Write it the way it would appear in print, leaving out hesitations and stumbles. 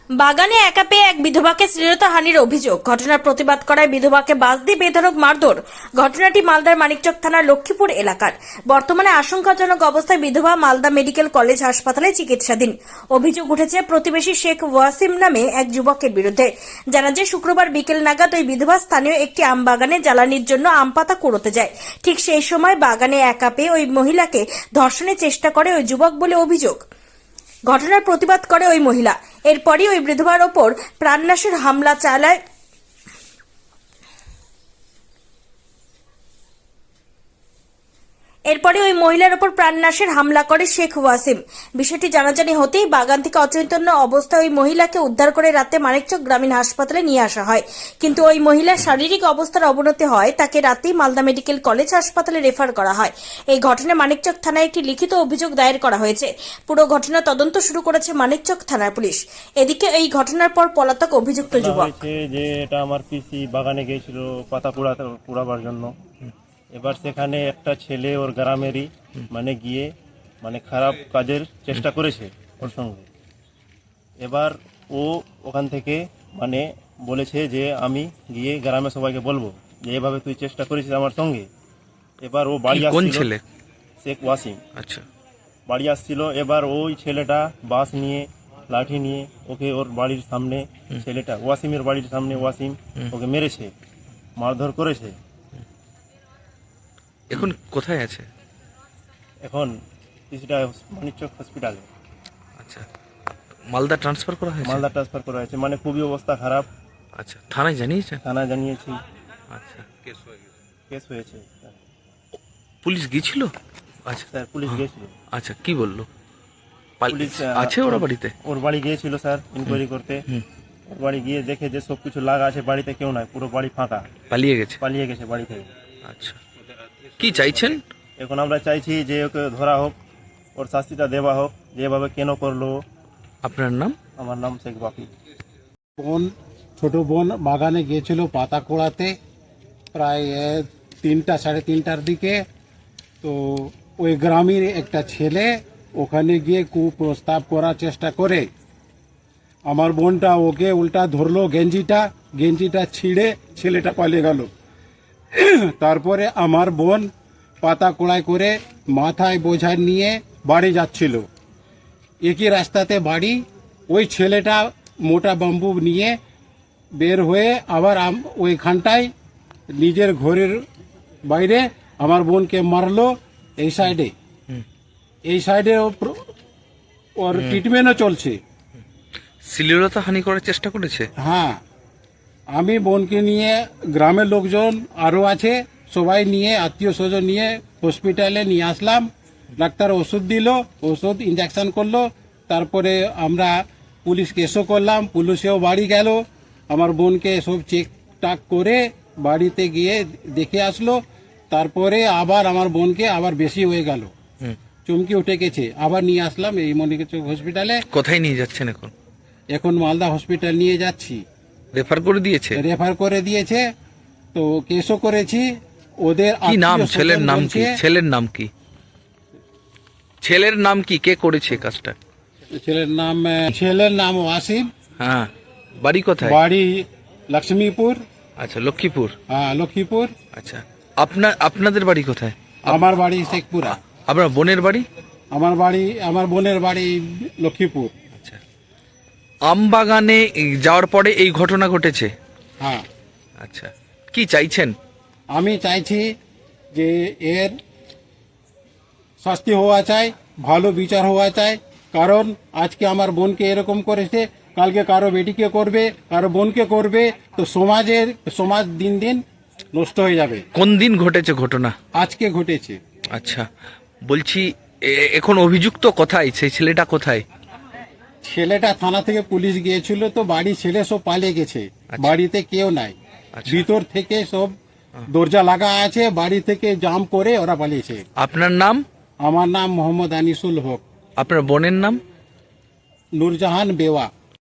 বাগানে একা পেয়ে এক বিধবাকে শ্লীলতাহানির অভিযোগ। ঘটনার প্রতিবাদ করায় বিধবাকে বাস দিয়ে বেধড়ক মারধর। ঘটনাটি মালদার মানিকচক থানার লক্ষ্মীপুর এলাকার। বর্তমানে আশঙ্কাজনক অবস্থায় বিধবা মালদা মেডিকেল কলেজ হাসপাতালে চিকিৎসাধীন। অভিযোগ উঠেছে প্রতিবেশী শেখ ওয়াসিম নামে এক যুবকের বিরুদ্ধে। জানা যায় শুক্রবার বিকেল নাগাদ ওই বিধবা স্থানীয় একটি আম বাগানে জ্বালানির জন্য আম পাতা কুড়োতে যায়। ঠিক সেই সময় বাগানে একা পেয়ে ওই মহিলাকে ধর্ষণের চেষ্টা করে ওই যুবক বলে অভিযোগ। ঘটনার প্রতিবাদ করে ওই মহিলা। এরপরই ওই বিধবার ওপর প্রাণনাশের হামলা চালায় করে শেখ ওয়াসিম। বিষয়টি জানাজানি হতেই বাগান থেকে অচৈতন্য অবস্থায় ওই মহিলাকে উদ্ধার করে রাতে মানিকচক গ্রামীণ হাসপাতালে নিয়ে আসা হয়। কিন্তু ওই মহিলার শারীরিক অবস্থার অবনতি হয়, তাকে রাতেই মালদা মেডিকেল কলেজ হাসপাতালে রেফার করা হয়। এই ঘটনায় মানিকচক থানায় একটি লিখিত অভিযোগ দায়ের করা হয়েছে। পুরো ঘটনা তদন্ত শুরু করেছে মানিকচক থানার পুলিশ। এদিকে এই ঘটনার পর পলাতক অভিযুক্ত যুবক যে এটা আমার পিসি বাগানে গিয়েছিল পাতা কুড়াবার জন্য। এবার সেখানে একটা ছেলে ওর গ্রামেরই গিয়ে খারাপ কাজের চেষ্টা করেছে ওর সঙ্গে। এবার ও ওখান থেকে বলেছে যে আমি গিয়ে গ্রামে সবাইকে বলবো যে এভাবে তুই চেষ্টা করেছিস আমার সঙ্গে। এবার ও বাড়ি আসছিল, শেখ ওয়াসিম। আচ্ছা, বাড়ি আসছিল। এবার ওই ছেলেটা বাস নিয়ে লাঠি নিয়ে ওকে ওর বাড়ির সামনে, ছেলেটা ওয়াসিমের বাড়ির সামনে ওয়াসিম ওকে মেরেছে, মারধর করেছে। এখন কোথায় আছে? এখন কিছুটা মানিকচক হসপিটালে। আচ্ছা, মালদা ট্রান্সফার করা হয়েছে? মালদা ট্রান্সফার করা হয়েছে, খুবই অবস্থা খারাপ। আচ্ছা, থানায় জানিয়েছেন? থানায় জানিয়েছি। আচ্ছা, কেস হয়েছে। পুলিশ গিয়েছিল? আচ্ছা স্যার, পুলিশ গিয়েছিল। আচ্ছা, কি বললো? পুলিশ আছে ওরা বাড়িতে? ওর বাড়ি গিয়েছিল স্যার ইনকোয়ারি করতে। ওর বাড়ি গিয়ে দেখে যে সবকিছু লাগা আছে, বাড়িতে কেউ নাই, পুরো বাড়ি ফাঁকা। পালিয়ে গেছে বাড়ি থেকে। আচ্ছা, কি চাইছেন? এখন আমরা চাইছি যে ওকে ধরা হোক, ওর শাস্তিটা দেওয়া হোক, যেভাবে কেন করলো। আপনার নাম? আমার নাম শেখ বাপি। ছোট বোন বাগানে গিয়েছিল পাতা কোড়াতে প্রায় 3টা সাড়ে 3টার দিকে। তো ওই গ্রামের একটা ছেলে ওখানে গিয়ে কুপ্রস্তাব করার চেষ্টা করে। আমার বোনটা ওকে উল্টা ধরলো, গেঞ্জিটা ছিঁড়ে ছেলেটা পালিয়ে গেল। তারপরে আমার বোন পাতা কোড়াই করে মাথায় বোঝা নিয়ে বাড়ি যাচ্ছিল। একই রাস্তাতে বাড়ি। ওই ছেলেটা মোটা বাম্বু নিয়ে বের হয়ে আবার ওইখানটায় নিজের ঘরের বাইরে আমার বোনকে মারলো। এই সাইডে ওর ট্রিটমেন্টও চলছে। শ্লীলতাহানি করার চেষ্টা করেছে? হ্যাঁ, আমি বোনকে নিয়ে গ্রামের লোকজন আরও আছে, সবাই নিয়ে আত্মীয় স্বজন নিয়ে হসপিটালে নিয়ে আসলাম। ডাক্তার ওষুধ দিল, ওষুধ ইঞ্জেকশন করলো। তারপরে আমরা পুলিশ কেসও করলাম, পুলিশেও বাড়ি গেল। আমার বোনকে সব চেক টাক করে বাড়িতে গিয়ে দেখে আসলো। তারপরে আবার আমার বোনকে আবার বেশি হয়ে গেল, চমকি উঠে গেছে, আবার নিয়ে আসলাম এই মানিকচক হসপিটালে। কোথায় নিয়ে যাচ্ছেন এখন? এখন মালদা হসপিটাল নিয়ে যাচ্ছি। রেফার করে দিয়েছে। তো কেসও করেছি। ওদের কি নাম? ছেলের নাম কি? কে করেছে কাজটা? ছেলের নাম ওয়াসিম। হ্যাঁ, বাড়ি কোথায়? বাড়ি লক্ষ্মীপুর। আচ্ছা, লক্ষ্মীপুর। হ্যাঁ, লক্ষ্মীপুর। আচ্ছা, আপনাদের বাড়ি কোথায়? আমার বাড়ি শেখপুরা। আপনার বোনের বাড়ি? আমার বোনের বাড়ি লক্ষ্মীপুর। আচ্ছা, আম বাগানে যাওয়ার পরে এই ঘটনা ঘটেছে? হ্যাঁ। আচ্ছা, কি চাইছেন? আমি চাইছি যে এর শাস্তি হওয়া চাই, ভালো বিচার হওয়া চাই। কারণ আজকে আমার বোনকে এরকম করেছে, কালকে কারো বেটিকে করবে, কারো বোনকে করবে। তো সমাজ দিন দিন নষ্ট হয়ে যাবে। কোন দিন ঘটেছে ঘটনা? আজকে ঘটেছে। আচ্ছা, বলছি এখন অভিযুক্ত কোথায়? সেই ছেলেটা কোথায়? ছেলেটা থানা থেকে পুলিশ গিয়েছিল, তো বাড়ি ছেলে সব পালিয়ে গেছে। বাড়িতে কেউ নাই। ভিতর থেকে সব দরজা লাগা আছে, বাড়ি থেকে জাম করে ওরা পালিয়েছে। আপনার নাম? আমার নাম মোহাম্মদ আনিসুল হক। আপনার বোনের নাম? নূরজাহান বেওয়া।